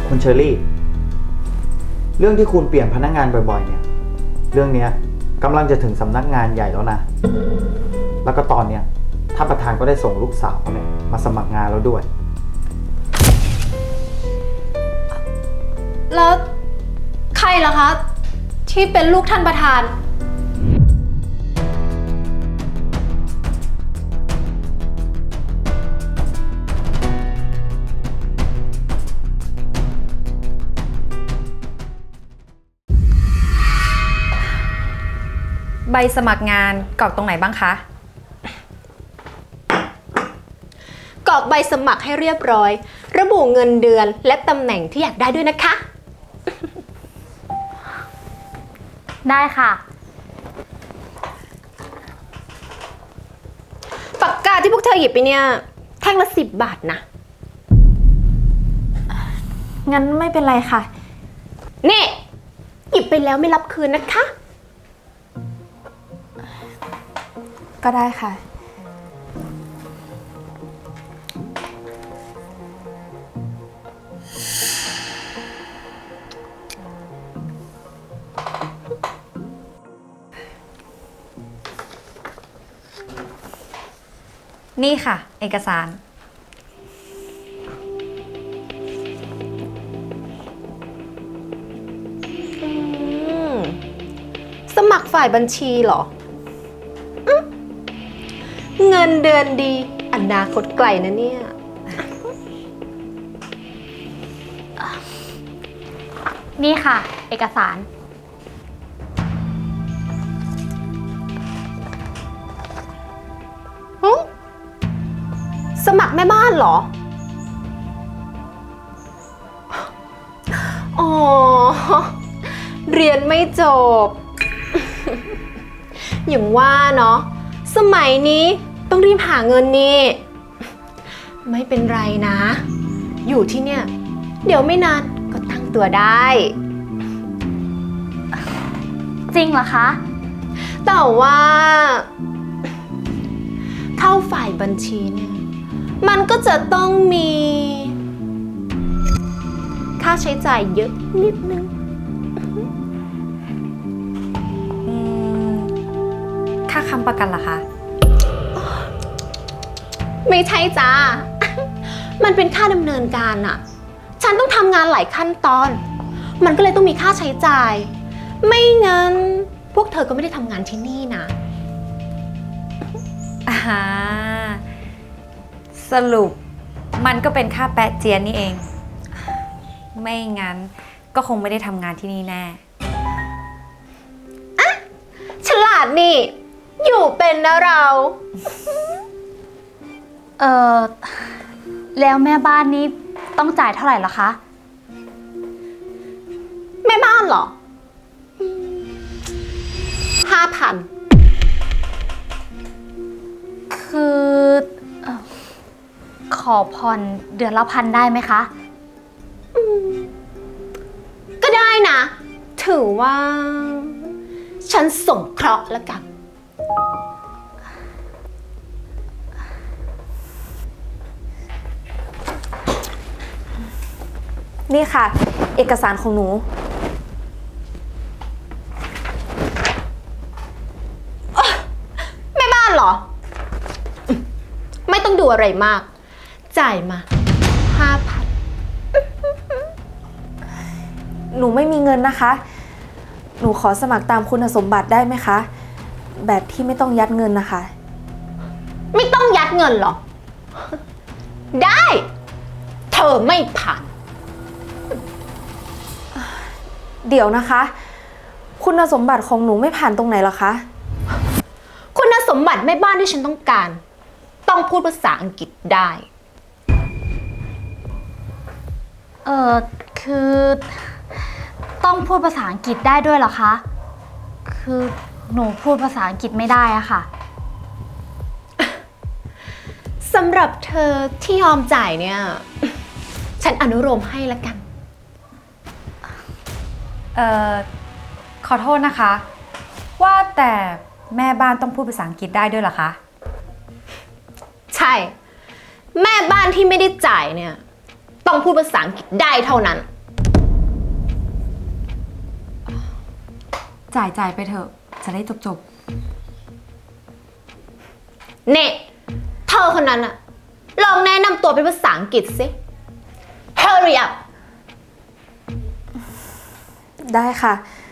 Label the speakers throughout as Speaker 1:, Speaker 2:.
Speaker 1: คุณเชอรี่ เรื่องที่คุณเปลี่ยนพนักงานบ่อยๆเนี่ย เรื่องนี้กำลังจะถึงสำนักงานใหญ่แล้วนะ แล้วก็ตอนเนี้ยท่านประธานก็ได้ส่งลูกสาวเนี่ยมาสมัครงานแล้วด้วย
Speaker 2: แล้วใครล่ะคะที่เป็นลูกท่านประธาน
Speaker 3: ใบสมัครงานกรอกตรงไหนบ้างคะ
Speaker 2: กรอกใบสมัครให้เรียบร้อยระบุเงินเดือนและตำแหน่งที่อยากได้ด้วยนะคะ
Speaker 4: ได้ค่ะ
Speaker 2: ปากกาที่พวกเธอหยิบไปเนี่ยแท่งละ10 บาทนะ
Speaker 4: งั้นไม่เป็นไรค่ะ
Speaker 2: นี่หยิบไปแล้วไม่รับคืนนะคะ
Speaker 4: ก็ได้ค่ะ
Speaker 3: นี่ค่ะ เอกสาร
Speaker 2: สมัครฝ่ายบัญชีเหรอเงินเดือนดีอนาคตไกลนะเนี่ย
Speaker 4: นี่ค่ะ เอกสาร
Speaker 2: สมัครแม่บ้านเหรอ อ๋อ เรียนไม่จบ อย่างว่าเนาะ สมัยนี้ต้องรีบหาเงินนี่ ไม่เป็นไรนะ อยู่ที่เนี่ย เดี๋ยวไม่นานก็ตั้งตัวได้
Speaker 4: จริงเหรอคะ
Speaker 2: แต่ว่า เข้าฝ่ายบัญชีเนี่ย มันก็จะต้องมี ค่าใช้จ่ายเยอะนิดนึง
Speaker 3: ค่าค้ำประกันล่ะคะ
Speaker 2: ไม่ใช่จ้า มันเป็นค่าดำเนินการอะฉันต้องทำงานหลายขั้นตอน มันก็เลยต้องมีค่าใช้จ่าย ไม่งั้น พวกเธอก็ไม่ได้ทำงานที่นี่นะ
Speaker 3: สรุปมันก็เป็นค่าแปะเจียนนี่เอง ไม่งั้นก็คงไม่ได้ทำงานที่นี่แน่
Speaker 2: ฉลาดนี่ อยู่เป็นนะเรา
Speaker 4: เออแล้วแม่บ้านนี้ต้องจ่ายเท่าไหร่เหรอคะ
Speaker 2: แม่บ้านเหรอ 5,000
Speaker 4: คือเอ่อขอผ่อนเดือนละ1,000ได้ไหมคะ
Speaker 2: ก็ได้นะ ถือว่า ฉันสงเคราะห์แล้วกัน
Speaker 5: นี่ค่ะ เอกสารของหนู
Speaker 2: แม่บ้านเหรอ ไม่ต้องดูอะไรมาก จ่ายมา 5,000
Speaker 5: หนูไม่มีเงินนะคะ หนูขอสมัครตามคุณสมบัติได้ไหมคะ แบบที่ไม่ต้องยัดเงินนะคะ
Speaker 2: ไม่ต้องยัดเงินหรอ ได้ เธอไม่ผ่าน
Speaker 5: เดี๋ยวนะคะ คุณสมบัติของหนูไม่ผ่านตรงไหนเหรอคะ
Speaker 2: คุณสมบัติแม่บ้านที่ฉันต้องการ ต้องพูดภาษาอังกฤษได้
Speaker 4: คือต้องพูดภาษาอังกฤษได้ด้วยเหรอคะ คือหนูพูดภาษาอังกฤษไม่ได้อะค่ะ
Speaker 2: สำหรับเธอที่ยอมจ่ายเนี่ย ฉันอนุโลมให้ละกัน
Speaker 3: ขอโทษนะคะ ว่าแต่แม่บ้านต้องพูดภาษาอังกฤษได้ด้วยเหรอคะ
Speaker 2: ใช่ แม่บ้านที่ไม่ได้จ่ายเนี่ย ต้องพูดภาษาอังกฤษได้เท่านั้น
Speaker 3: จ่ายไปเถอะ จะได้จบ
Speaker 2: เน่เธอคนนั้นอะลองแนะนำตัวเป็นภาษาอังกฤษสิ Hurry up
Speaker 5: ได้ค่ะ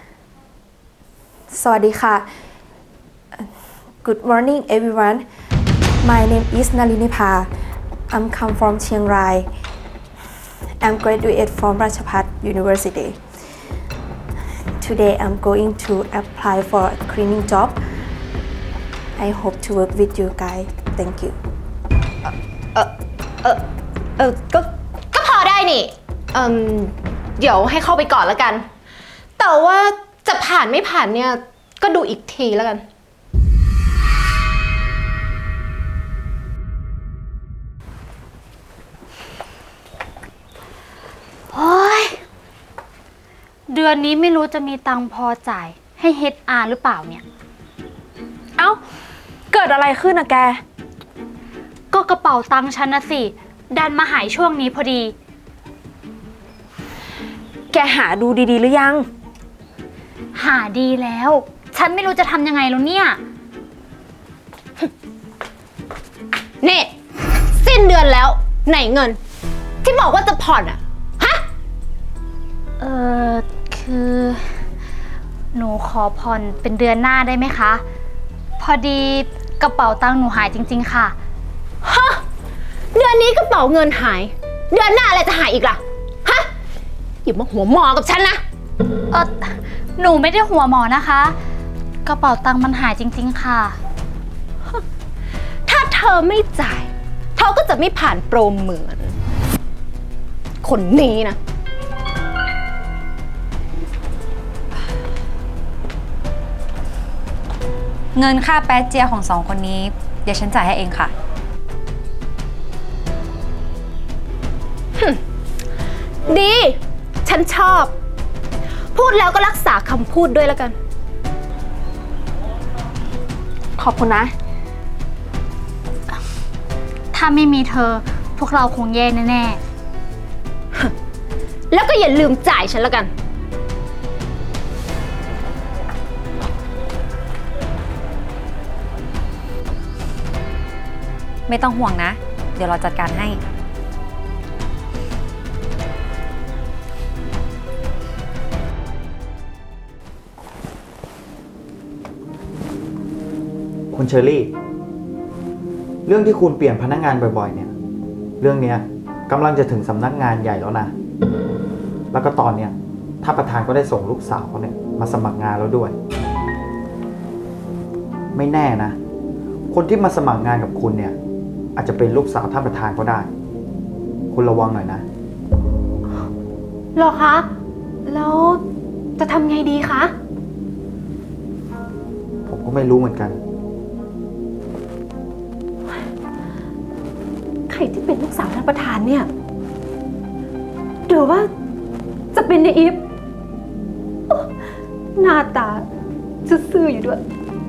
Speaker 5: สวัสดีค่ะ Good morning everyone My name is Nalinipa I'm come from Chiang Rai I'm graduate from Ratchapat University Today I'm going to apply for a cleaning job I hope to work with you guys Thank you
Speaker 2: ก็พอได้นี่เดี๋ยวให้เข้าไปก่อนแล้วกัน แต่ว่าจะผ่านไม่ผ่านเนี่ย ก็ดูอีกทีแล้วกัน
Speaker 4: โอ้ยเดือนนี้ไม่รู้จะมีตังค์พอจ่ายให้ HR หรือเปล่าเนี่ย
Speaker 5: เอ้า เกิดอะไรขึ้นอะแก
Speaker 4: ก็กระเป๋าตังค์ฉันนะสิ ดันมาหายช่วงนี้พอดี
Speaker 5: แกหาดูดีๆหรือยัง
Speaker 4: หาดีแล้ว ฉันไม่รู้จะทำยังไงแล้วเนี่ย
Speaker 2: นี่ สิ้นเดือนแล้วไหนเงิน ที่บอกว่าจะผ่อนอะฮะ
Speaker 4: คือ หนูขอผ่อนเป็นเดือนหน้าได้ไหมคะ พอดีกระเป๋าตังค์หนูหายจริงๆค่ะ
Speaker 2: ฮะ เดือนนี้กระเป๋าเงินหาย เดือนหน้าอะไรจะหายอีกล่ะ ฮะ อย่ามาหัวหมอกับฉันนะ
Speaker 4: หนูไม่ได้หัวหมอนะคะ กระเป๋าตังค์มันหายจริงๆค่ะ
Speaker 2: ถ้าเธอไม่จ่าย เธอก็จะไม่ผ่านโปรเหมือน คนนี้นะ
Speaker 3: ๆ เงินค่าแป๊ะเจียของสองคนนี้ เดี๋ยวฉันจ่ายให้เองค่ะ
Speaker 2: ดี ฉันชอบ พูดแล้วก็รักษาคำพูดด้วยแล้วกัน
Speaker 5: ขอบคุณนะ
Speaker 4: ถ้าไม่มีเธอพวกเราคงแย่แน่
Speaker 2: แล้วก็อย่าลืมจ่ายฉันแล้วกัน
Speaker 3: ไม่ต้องห่วงนะ เดี๋ยวเราจัดการให้
Speaker 1: คุณเชอรี่ เรื่องที่คุณเปลี่ยนพนักงานบ่อยๆ เนี่ย เรื่องเนี้ยกำลังจะถึงสำนักงานใหญ่แล้วนะ แล้วก็ตอนเนี้ยท่านประธานก็ได้ส่งลูกสาวเขาเนี่ยมาสมัครงานแล้วด้วย ไม่แน่นะ คนที่มาสมัครงานกับคุณเนี่ย อาจจะเป็นลูกสาวท่านประธานก็ได้ คุณระวังหน่อยนะ
Speaker 2: หรอคะ แล้วจะทำไงดีคะ
Speaker 1: ผมก็ไม่รู้เหมือนกัน
Speaker 2: ใครที่เป็นลูกสาวท่านประธานเนี่ยหรือว่าจะเป็นในอีฟโอ้หน้าตาซื่อๆอยู่ด้วย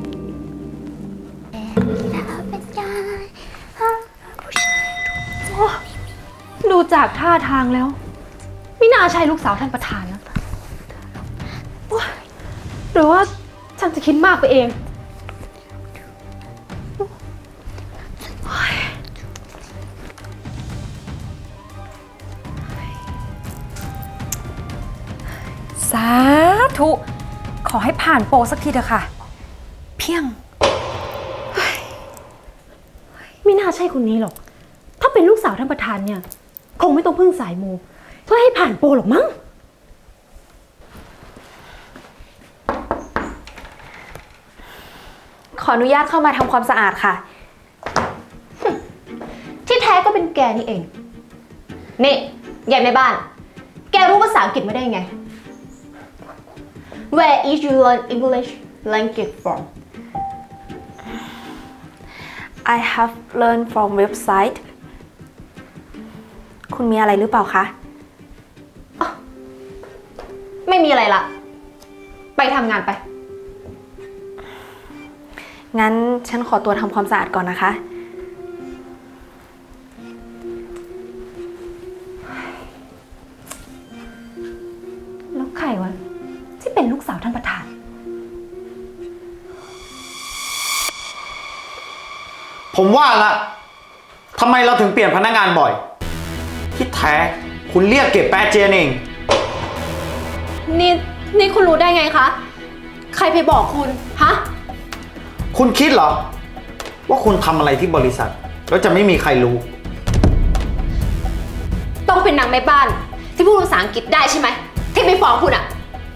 Speaker 2: ดูจากท่าทางแล้ว ไม่น่าใช่ลูกสาวท่านประธานนะโอ๊ยหรือว่าฉันจะคิดมากไปเอง
Speaker 3: สาธุ ขอให้ผ่านโปรสักทีเถอะค่ะ เพียง
Speaker 2: ไม่น่าใช่คนนี้หรอก ถ้าเป็นลูกสาวท่านประธานเนี่ย คงไม่ต้องพึ่งสายมูเพื่อให้ผ่านโปรหรอกมั้ง
Speaker 5: ขออนุญาตเข้ามาทำความสะอาดค่ะ
Speaker 2: ที่แท้ก็เป็นแกนี่เอง นี่ยายแม่บ้าน แกรู้ภาษาอังกฤษไม่ได้ไง Where is you learn English language from
Speaker 5: I have learned from website คุณมีอะไรหรือเปล่าคะ
Speaker 2: ไม่มีอะไรละ ไปทำงานไป
Speaker 5: งั้นฉันขอตัวทำความสะอาดก่อนนะคะ
Speaker 2: แล้วใครวะที่เป็นลูกสาวท่านประธาน
Speaker 1: ผมว่าละทำไมเราถึงเปลี่ยนพนักงานบ่อย ที่แท้คุณเรียกเก็บแปะเจียนเอง
Speaker 2: นี่คุณรู้ได้ไงคะ ใครไปบอกคุณ ฮะ
Speaker 1: คุณคิดเหรอ ว่าคุณทำอะไรที่บริษัท แล้วจะไม่มีใครรู้
Speaker 2: ต้องเป็นนางแม่บ้าน ที่พูดภาษาอังกฤษได้ใช่ไหม ที่ไปฟ้องคุณอะ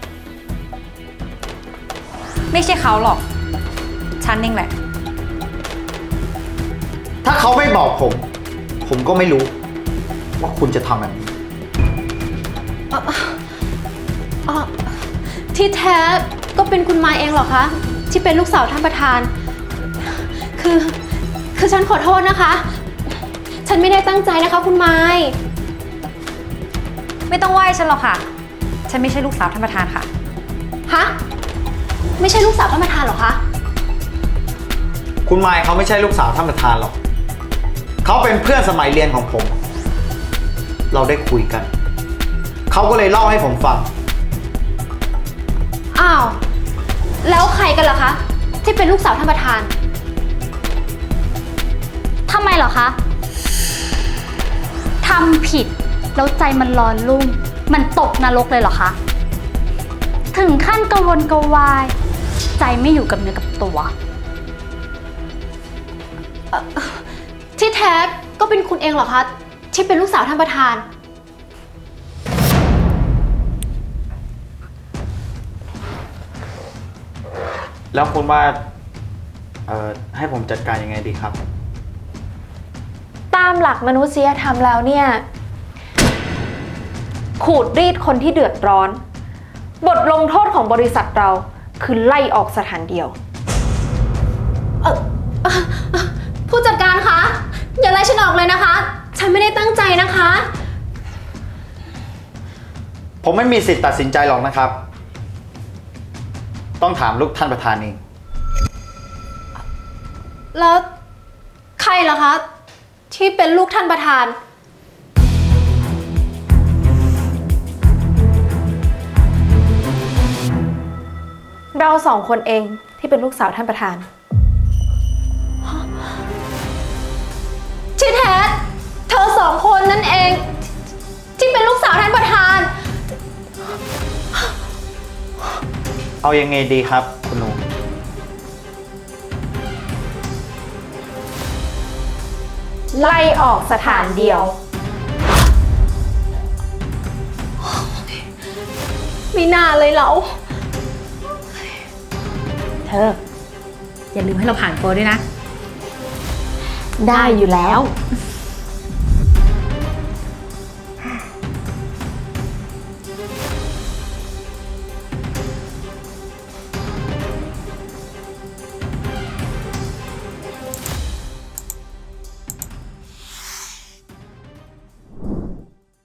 Speaker 3: ไม่ใช่เขาหรอก ฉันเองแหละ
Speaker 1: ถ้าเขาไม่บอกผม ผมก็ไม่รู้ ว่าคุณจะทำแบบนี้
Speaker 2: อ๋อที่แท้ก็เป็นคุณมายเองเหรอคะ ที่เป็นลูกสาวท่านประธาน คือฉันขอโทษนะคะ ฉันไม่ได้ตั้งใจนะคะคุณมาย
Speaker 3: ไม่ต้องไหว้ฉันหรอกค่ะ ฉันไม่ใช่ลูกสาวท่านประธานค่ะ
Speaker 2: ฮะ ไม่ใช่ลูกสาวท่านประธานเหรอคะ
Speaker 1: คุณมายเขาไม่ใช่ลูกสาวท่านประธานหรอก เขาเป็นเพื่อนสมัยเรียนของผม เราได้คุยกัน เขาก็เลยเล่าให้ผมฟัง
Speaker 2: อ้าว แล้วใครกันล่ะคะ ที่เป็นลูกสาวท่านประธาน
Speaker 4: ทำไมเหรอคะ ทำผิดแล้วใจมันร้อนรุ่ม มันตกนรกเลยเหรอคะ ถึงขั้นกระวนกระวาย ใจไม่อยู่กับเนื้อกับตัว
Speaker 2: ที่แท้ก็เป็นคุณเองเหรอคะ ที่เป็นลูกสาวท่านประธาน
Speaker 1: แล้วคุณว่าให้ผมจัดการยังไงดีครับ
Speaker 5: ตามหลักมนุษยธรรมแล้วเนี่ย ขูดรีดคนที่เดือดร้อน บทลงโทษของบริษัทเราคือไล่ออกสถานเดียว
Speaker 2: ผู้จัดการคะ อย่าไล่ฉันออกเลยนะคะ ฉันไม่ได้ตั้งใจนะคะ
Speaker 1: ผมไม่มีสิทธิ์ตัดสินใจหรอกนะครับ ต้องถามลูกท่านประธานเอง
Speaker 2: แล้วใครล่ะคะ ที่เป็นลูกท่านประธาน
Speaker 5: เราสองคนเองที่เป็นลูกสาวท่านประธาน
Speaker 2: ที่แท้เธอสองคนนั่นเอง ที่เป็นลูกสาวท่านประธาน
Speaker 1: เอายังไงดีครับ คุณหนู
Speaker 5: ไล่ออกสถานเดียว
Speaker 2: ไม่น่าเลยเรา
Speaker 3: เธอ อย่าลืมให้เราผ่านโปรด้วยนะ
Speaker 5: ได้อยู่แล้ว
Speaker 3: ไ